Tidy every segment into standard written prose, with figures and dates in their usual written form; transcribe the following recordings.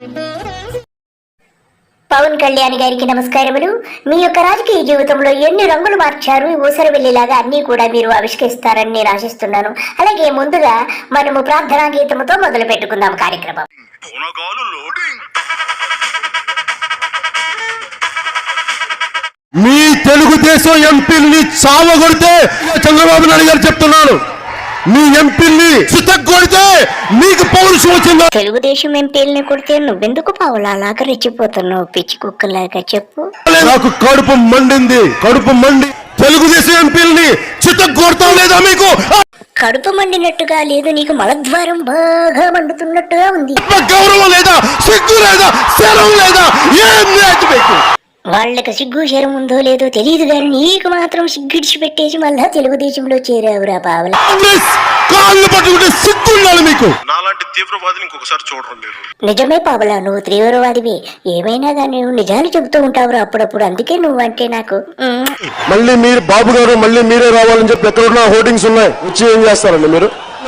పవన్ కళ్యాణ్ గారికి నమస్కారములు. మీ యొక్క రాజకీయ జీవితంలో ఎన్ని రంగులు మార్చారు, ఊసరవెల్లిలాగా అన్ని కూడా మీరు ఆవిష్కరిస్తారని నేను ఆశిస్తున్నాను. అలాగే ముందుగా మనము ప్రార్థనా గీతముతో మొదలు పెట్టుకుందాం కార్యక్రమం. మీ తెలుగుదేశం ఎంపీని చావగొడితే చంద్రబాబు నాయుడు గారు చెప్తున్నాను, మీ ఎంపీని చితగ్గొడితే మీకు పౌరుషం వచ్చిందా? తెలుగుదేశం ఎంపీలని కొడితే నువ్వెందుకు పావులాగా రెచ్చిపోతున్నావు పిచ్చి కుక్కలాగా చెప్పు. నాకు కడుపు మండింది, కడుపు మండి తెలుగుదేశం ఎంపీలని చితగ్గొడతాం లేదా మీకు? కడుపు మండినట్టుగా లేదు, నీకు మలద్వారం బాగా మండుతున్నట్టుగా ఉంది. గౌరవం లేదా, సిగ్గు లేదా, శరం లేదా, ఏం లేదు మీకు? వాళ్ళకి సిగ్గు శరం ఉందో లేదో తెలియదు కానీ నీకు మాత్రం సిగ్గిడిచి పెట్టేసి మళ్ళా తెలుగుదేశంలో చేరావురా పావల. కాళ్ళు పట్టుకుంటే సిగ్గుండాలి మీకు. నాలాంటి తీవ్రవాదిని ఇంకొకసారి చూడరు మీరు. నిజమే పావలా, నువ్వు తీవ్రవాదివే. ఏమైనా కానీ నువ్వు నిజాలు చెబుతూ ఉంటావురా అప్పుడప్పుడు, అందుకే నువ్వంటే నాకు. మళ్ళీ మీరు బాబు గారు మళ్ళీ మీరే రావాలని చెప్పి ఎక్కడున్నా హోర్డింగ్స్ ఉన్నాయి, వచ్చి ఏం చేస్తారండి మీరు?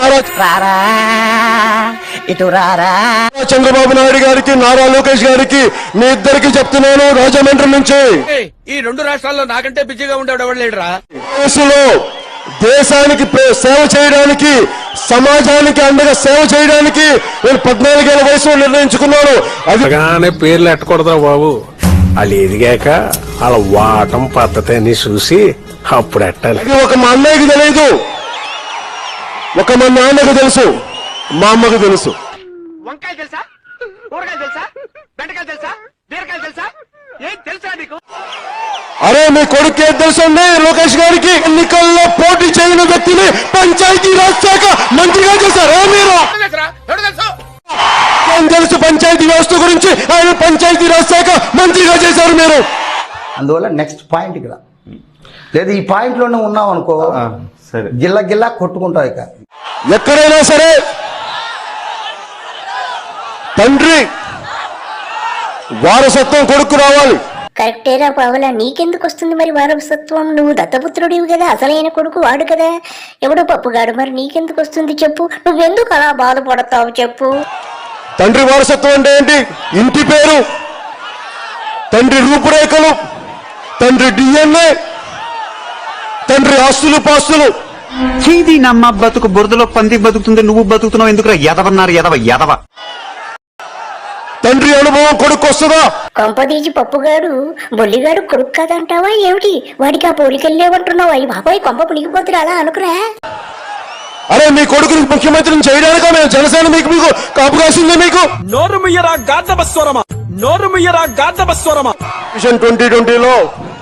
చంద్రబాబు నాయుడు గారికి, నారా లోకేష్ గారికి, మీ ఇద్దరికి చెప్తున్నాను, రాజమండ్రి నుంచి ఈ రెండు రాష్ట్రాల్లో నాకంటే బిజీగా ఉండేవాడు ఎవడు లేడురా. దేశానికి సేవ చేయడానికి, సమాజానికి అండగా సేవ చేయడానికి నేను 14 ఏళ్ల వయసులో నిర్ణయించుకున్నాను. అది పేర్లు ఎట్టకూడదా బాబు, వాళ్ళు ఎదిగాక వాళ్ళ వాటం పద్ధతి అని చూసి అప్పుడు ఎట్టాలి. ఒక మా అన్నయ్యకి తెలియదు, ఒక మా నాన్నకు తెలుసు, మా అమ్మకు తెలుసు. వంకాయ తెలుసా, కూరగాయలు తెలుసా, బెండకాయలు తెలుసా, బీరకాయలు తెలుసా, ఏం తెలుసా నీకు? అరే మీ కొడుకు ఏం తెలుసండి? లోకేష్ గారికి ఎన్నికల్లో పోటీ చేయని వ్యక్తిని పంచాయతీ రాజ్ శాఖ మంత్రిగా చేశారు మీరు. ఏం తెలుసు పంచాయతీ వ్యవస్థ గురించి? ఆయన పంచాయతీ రాజ్ శాఖ మంత్రిగా చేశారు మీరు. అందువల్ల నెక్స్ట్ పాయింట్ ఇక్కడ లేదు, ఈ పాయింట్ లోనే ఉన్నాం అనుకో, గిల్ల గిల్లా కొట్టుకుంటావు. ఇక ఎక్కడైనా సరే తండ్రి వారసత్వం కొడుకు రావాలి. కరెక్టేరా పావలా, నీకెందుకు వస్తుంది మరి వారసత్వం? నువ్వు దత్తపుత్రుడివి కదా, అసలైన కొడుకు వాడు కదా, ఎవడో పప్పుగాడు. మరి నీకెందుకు వస్తుంది చెప్పు? నువ్వెందుకు అలా బాధపడతావు చెప్పు? తండ్రి వారసత్వం అంటే ఏంటి? ఇంటి పేరు, తండ్రి రూపురేఖలు, తండ్రి డిఎన్ఏ, తండ్రి ఆస్తులు పాస్తులు. చీది నమ్మ బతుకు బురదలో పంది బతుకుతుంది, నువ్వు బతుకుతున్నావు ఎందుకురా ఎదవన్నారు ఎదవ. తండ్రి అనుభవం కొడుకు వస్తుందా? కొంపదీసి పప్పుగాడు బొల్లిగాడు కొడుకు కాదంటావా ఏమిటి? వాడికి ఆ పోలికెళ్ళేవంటున్నావు. అయ్యి బాబాయ్ కొంప పులిగిపోతురా, అలా అనుకురా. అరే మీ కొడుకుని ముఖ్యమంత్రిని చేయడానిక మేము జనసేన మీకు కాపు కాసింది మీకు. నోరు ముయ్యరా గాద్దబస్వరమా, నోరు ముయ్యరా గాద్దబస్వరమా. మిషన్ 2020లో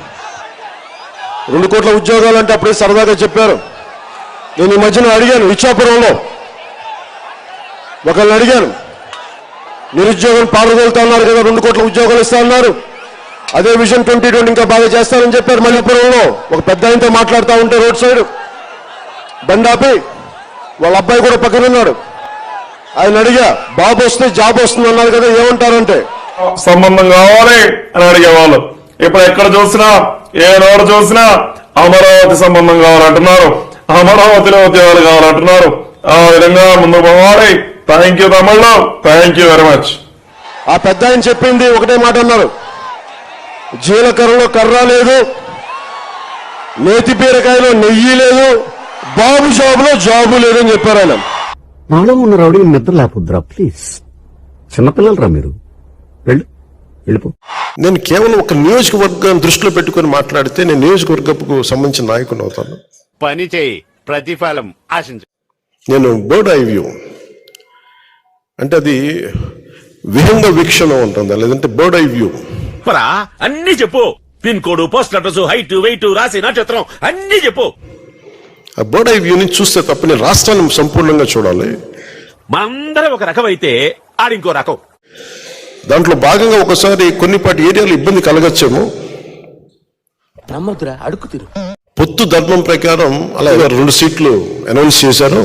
2 కోట్ల ఉద్యోగాలు అంటే అప్పుడే సరదాగా చెప్పారు. నేను ఈ మధ్యన అడిగాను, ఇచ్చాపురంలో ఒకళ్ళని అడిగాను, నిరుద్యోగం పాల్గొలుతా ఉన్నారు కదా, 2 కోట్ల ఉద్యోగాలు ఇస్తా ఉన్నారు, అదే విజన్ 2020 ఇంకా బాగా చేస్తారని చెప్పారు. మల్లిపురంలో ఒక పెద్ద ఆయనతో మాట్లాడుతూ ఉంటే రోడ్ సైడ్ బండాపి వాళ్ళ అబ్బాయి కూడా పక్కన ఉన్నాడు. ఆయన అడిగా, బాబు వస్తే జాబ్ వస్తుంది అన్నారు కదా, ఏమంటారంటే సంబంధం కావాలి అని అడిగేవాళ్ళు. ఇప్పుడు ఎక్కడ చూసినా, ఏ రోడ్డు చూసినా అమరావతి సంబంధం కావాలంటున్నారు, అమరావతిలో ఉద్యోగాలు కావాలంటున్నారు. ఆ విధంగా ముందు పోవాలి. థ్యాంక్ యూ తమిళ, థ్యాంక్ యూ వెరీ మచ్. ఆ పెద్ద ఆయన చెప్పింది ఒకటే మాట అన్నారు, జీలకర్రలో కర్ర లేదు, నేతి బీరకాయలో నెయ్యి లేదు, బాబు జాబులో జాబు లేదని చెప్పారు ఆయన. నాలో ఉన్న రౌడీ నిద్ర లేకపోద్దురా ప్లీజ్, చిన్నపిల్లలరా మీరు, వెళ్ళిపో. నేను కేవలం ఒక నియోజకవర్గాన్ని దృష్టిలో పెట్టుకుని మాట్లాడితే నేను నియోజకవర్గపు సంబంధించిన నాయకుని అవుతాను. పని చేయి, ప్రతిఫలం ఆశించు. నేను బర్డ్ ఐ వ్యూ అంటే అది విహంగ వీక్షణం ఉంటుంది, లేదంటే బర్డ్ ఐ వ్యూ. అన్ని చెప్పు, pin code, post address, height, weight, రాసి నక్షత్రం అన్ని చెప్పు. ఆ బర్డ్ ఐ వ్యూ నుంచి చూస్తే తప్ప నేను రాష్ట్రాన్ని సంపూర్ణంగా చూడాలి. మనందరం ఒక రకం అయితే ఆడింకో రకం. దాంట్లో భాగంగా ఒకసారి కొన్నిపాటి ఏరియాలో ఇబ్బంది కలగచ్చేమో. నమ్మదురా, అడుగు తీరు. పొత్తు ధర్మం ప్రకారం అలా 2 సీట్లు అనౌన్స్ చేశారు.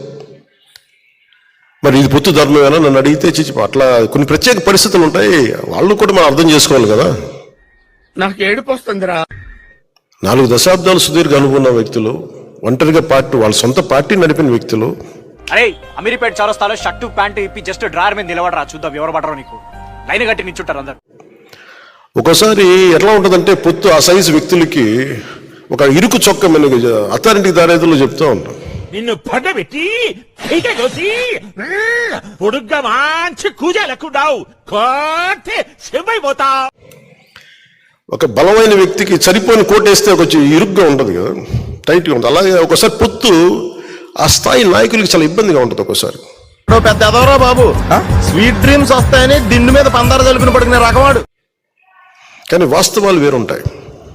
మరి ఇది పొత్తు ధర్మమేనా నన్ను అడిగితే అట్లా కొన్ని ప్రత్యేక పరిస్థితులు ఉంటాయి, వాళ్ళు కూడా మనం అర్థం చేసుకోవాలి కదా. నాకు ఏడుపు వస్తుందిరా. 4 దశాబ్దాలు సుదీర్ఘ అనుకున్న వ్యక్తులు, ఒంటరిగా పార్టీ, వాళ్ళ సొంత పార్టీ నడిపిన వ్యక్తులు. అరే అమీర్పేట చౌరస్తాలో షర్టు ప్యాంటు ఇప్పి జస్ట్ డ్రాయర్ మీద నిలబడరా, చూద్దాం ఎవరు పడరు నీకు. లైన్ కట్టి నించుంటారు అందరు. ఒక్కోసారి ఎట్లా ఉంటుందంటే పొత్తు ఆ సైజు వ్యక్తులకి ఒక ఇరుకు చొక్క మనకి అథారిటీ దారేదుల్లో చెప్తూ ఉంటాం. నిన్ను పడబెట్టి పైకి కోసి పొడుగ్గా మంచి కూజాలెక్కున్నావు కోటే చెంబైపోతావు. ఒక బలమైన వ్యక్తికి సరిపోయిన కోటేస్తే కొంచెం ఇరుగ్గా ఉంటుంది కదా, టైట్గా ఉంటుంది. అలాగే ఒకసారి పొత్తు ఆ స్థాయి నాయకులకి చాలా ఇబ్బందిగా ఉంటుంది ఒక్కోసారి. పెద్ద ఎదవరా బాబు, స్వీట్ డ్రీమ్స్ వస్తాయని దిండు మీద పందారు తలుపుని పడుకునే రకవాడు. కానీ వాస్తవాలు వేరుంటాయి,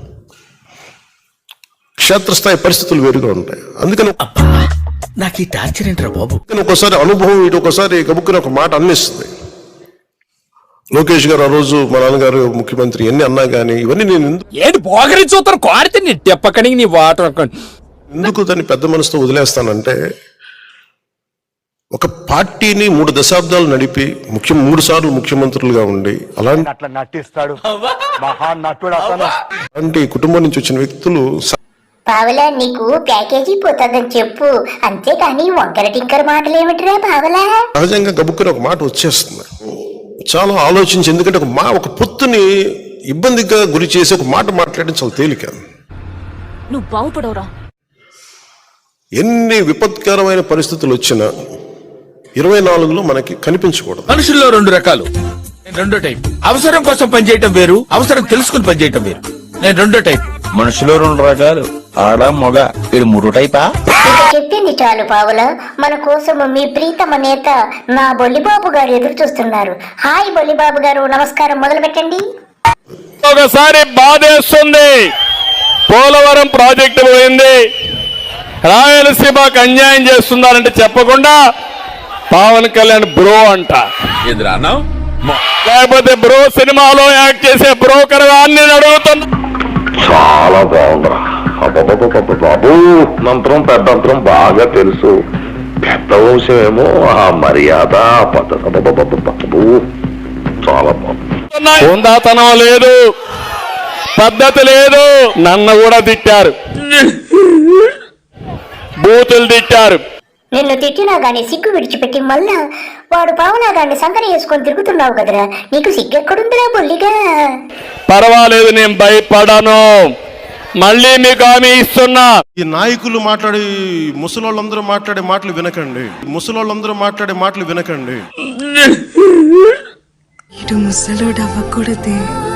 క్షేత్రస్థాయి పరిస్థితులు వేరుగా ఉంటాయి. అందుకని నాకు ఈ టార్చర్ ఏంట్రా బాబు. ఒకసారి అనుభవం ఇటు ఒకసారి గబుక్కుని ఒక మాట అన్నిస్తుంది. లోకేష్ గారు ఆ రోజు మా నాన్నగారు ముఖ్యమంత్రి ఎన్ని అన్నా కానీ ఇవన్నీ నేను ఏంటి పోగరి చూస్తారు కోరితే నీ తెప్పకని నీ వాటర్ ఎందుకు దాన్ని పెద్ద మనసుతో వదిలేస్తానంటే, ఒక పార్టీని 3 దశాబ్దాలు నడిపి 3 సార్లు ముఖ్యమంత్రులుగా ఉండి అలాంటి అట్లా నటిస్తాడు మహా నటుడు అతను. అలాంటి కుటుంబం నుంచి వచ్చిన వ్యక్తులు పావలా నీకు ప్యాకేజీ పోతుందని చెప్పు, అంతేకాని వంకర టింకర మాటలేమిట్రా పావలా. సహజంగా గబుక్కుని ఒక మాట వచ్చేస్తుంది. చాలా ఆలోచించి, ఎందుకంటే ఒక పొత్తుని ఇబ్బందిగా గురి చేసి ఒక మాట మాట్లాడడం చాలా తేలిక. నువ్వు బాగుపడవురా. ఎన్ని విపత్కరమైన పరిస్థితులు వచ్చినా 24లో మనకి కనిపించకూడదు. మనుషుల్లో 2 రకాలు, నేను రెండో టైప్. అవసరం కోసం పనిచేయటం వేరు, అవసరం తెలుసుకుని పనిచేయటం వేరు. నేను రెండో టైప్. మనుషులో 2 రకాలు, ఆడ మగ. ఇది 3 టైపా? ఇక చెప్పింది చాలు పావుల. మన కోసం మీ ప్రీతమ నేత నా బొల్లిబాబు గారు ఎదురు చూస్తున్నారు. హాయ్ బొల్లిబాబు గారు, నమస్కారం, మొదలు పెట్టండి. ఒకసారి బాధేస్తుంది, పోలవరం ప్రాజెక్టు పోయింది, రాయలసీమకు అన్యాయం చేస్తున్నారంటే చెప్పకుండా పవన్ కళ్యాణ్ బ్రో అంట. లేకపోతే బ్రో సినిమాలో యాక్ట్ చేసే బ్రోకర్ అని అడుగుతున్నా. చాలా బాగుందిరా బాబు, మంత్రం పెద్దంతరం బాగా తెలుసు. పెద్ద వంశం ఏమో ఆ మర్యాద పద్ధతి బాబు చాలా బాగుంది. హుందాతనం లేదు, పద్ధతి లేదు. నన్ను కూడా తిట్టారు, బూతులు తిట్టారు. నిన్ను తిట్టినా గానీ సిగ్గు విడిచిపెట్టి మళ్ళా వాడు పావులా గాన్ని సంకర వేసుకొని తిరుగుతున్నావు కదరా, నీకు సిగ్గెక్కడుందిరా బొల్లిగా. పర్వాలేదు, నేను భయపడను. మళ్ళీ మీకు హామీ ఇస్తున్నా. ఈ నాయకులు మాట్లాడే ముసలోళ్ళందరూ మాట్లాడే మాటలు వినకండి, ముసలోళ్ళందరూ మాట్లాడే మాటలు వినకండి. ఇటు ముసలోడు అవ్వకూడదే.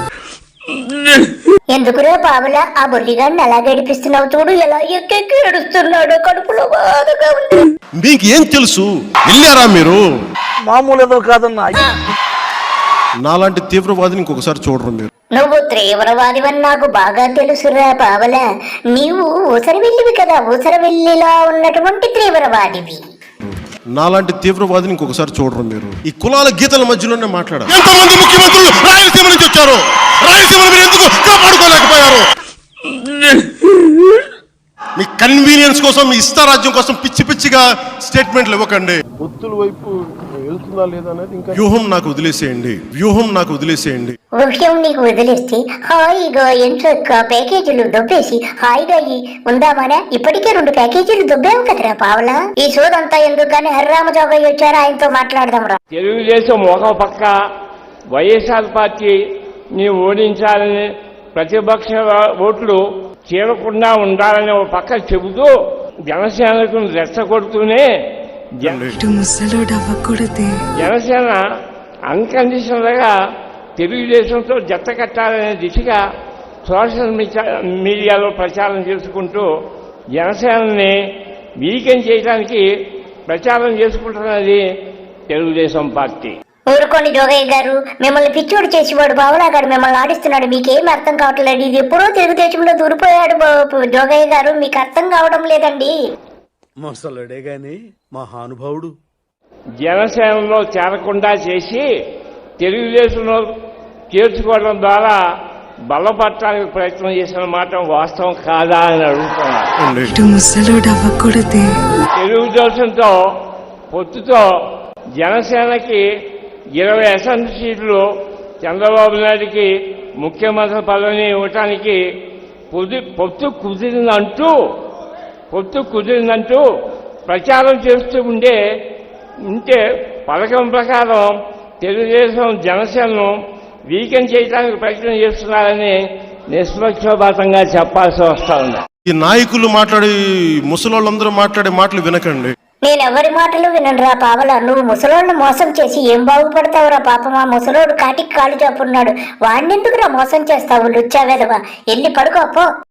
ఎందుకురా పావులా ఆ బొల్లిగాన్ని అలా గడిపిస్తున్నావు? చూడు ఎలా ఎక్కెక్కి ఏడుస్తున్నాడు, కడుపులో బాధగా ఉంది. మీకు ఏం తెలుసు? వెళ్ళారా మీరు? మామూలు ఏదో కాదన్నా. నాలాంటి తీవ్రవాదిని ఇంకొకసారి చూడరు మీరు. నువ్వు తీవ్రవాదివని నాకు బాగా తెలుసురా పావలా. నీవు ఊసరవెల్లివి కదా, ఊసరవెల్లిలా ఉన్నటువంటి తీవ్రవాదివి. నాలాంటి తీవ్రవాదిని ఇంకొకసారి చూడరు మీరు. ఈ కులాల గీతల మధ్యలోనే మాట్లాడారు. ఎంతమంది ముఖ్యమంత్రులు రాయలసీమ నుంచి వచ్చారు, రాయలసీమను మీరు ఎందుకు కాపాడుకోలేకపోయారు? మీ కన్వీనియన్స్ కోసం, మీ ఇష్టారాజ్యం కోసం పిచ్చి పిచ్చిగా స్టేట్మెంట్లు ఇవ్వకండి. పొత్తుల వైపు వెళ్తుందా లేదా అనేది ఇంకా వ్యూహం నాకు వదిలేసేయండి, వ్యూహం నాకు వదిలేసేయండి. విషయం నీకు వదిలేస్తే హాయిగా ఎంచక్క ప్యాకేజీలు దొబ్బేసి హాయిగా ఉందామనే. ఇప్పటికే 2 ప్యాకేజీలు దొబ్బావు కదరా పావలా. ఈ సోదంతా ఎందుకు కానీ హరిరామజోగయ్య వచ్చారా, ఆయనతో మాట్లాడదాం రా. తెలుగుదేశం ఒక పక్క వైఎస్ఆర్ పార్టీని ఓడించాలని, ప్రతిపక్ష ఓట్లు చేరకుండా ఉండాలని ఒక పక్క చెబుతూ జనసేనకు రెచ్చగొడుతూనే ఇటు ముసలోడు అవ్వకూడదే. జనసేన అన్కండిషనల్ గా తెలుగుదేశంతో జత కట్టాలనే దిశగా సోషల్ మీడియాలో ప్రచారం చేసుకుంటూ జనసేనని వీకెండ్ చేయడానికి ప్రచారం చేసుకుంటున్నది తెలుగుదేశం పార్టీ. ఊరుకోండి జోగయ్య గారు, మిమ్మల్ని పిచ్చోడు చేసేవాడు పావలా గారు మిమ్మల్ని ఆడిస్తున్నాడు. మీకేం అర్థం కావట్లేదు. ఇది ఎప్పుడో తెలుగుదేశంలో దూరిపోయాడు జోగయ్య గారు, మీకు అర్థం కావడం లేదండి. ముసలుడే గాని మహానుభావుడు. జనసేనలో చేరకుండా చేసి తెలుగుదేశంలో చేర్చుకోవడం ద్వారా బలపడటానికి ప్రయత్నం చేసిన మాట వాస్తవం కాదా అని అడుగుతున్నారు. ఇటు ముసలోడు అవ్వకూడదే. తెలుగుదేశంతో పొత్తుతో జనసేనకి 20 అసెంబ్లీ సీట్లు, చంద్రబాబు నాయుడికి ముఖ్యమంత్రి పదవిని ఇవ్వటానికి పొత్తు కుదిరిందంటూ ప్రచారం చేస్తూ ఉంటే పథకం ప్రకారం తెలుగుదేశం జనసేనను వీకెండ్ చేయడానికి ప్రయత్నం చేస్తున్నారని నిష్పక్షపాతంగా చెప్పాల్సి వస్తా ఉంది. ఈ నాయకులు మాట్లాడి ముసలోళ్ళందరూ మాట్లాడే మాటలు వినకండి. నేను ఎవరి మాటలు విననురా పావలా. నువ్వు ముసలోళ్ళను మోసం చేసి ఏం బాగుపడతావురా పాపం. ఆ ముసలోడు కాటికి కాళ్ళు చాపున్నాడు. వాడినెందుకురా మోసం చేస్తావు లుచ్చా వెధవా. ఎల్లి పడుకోపో.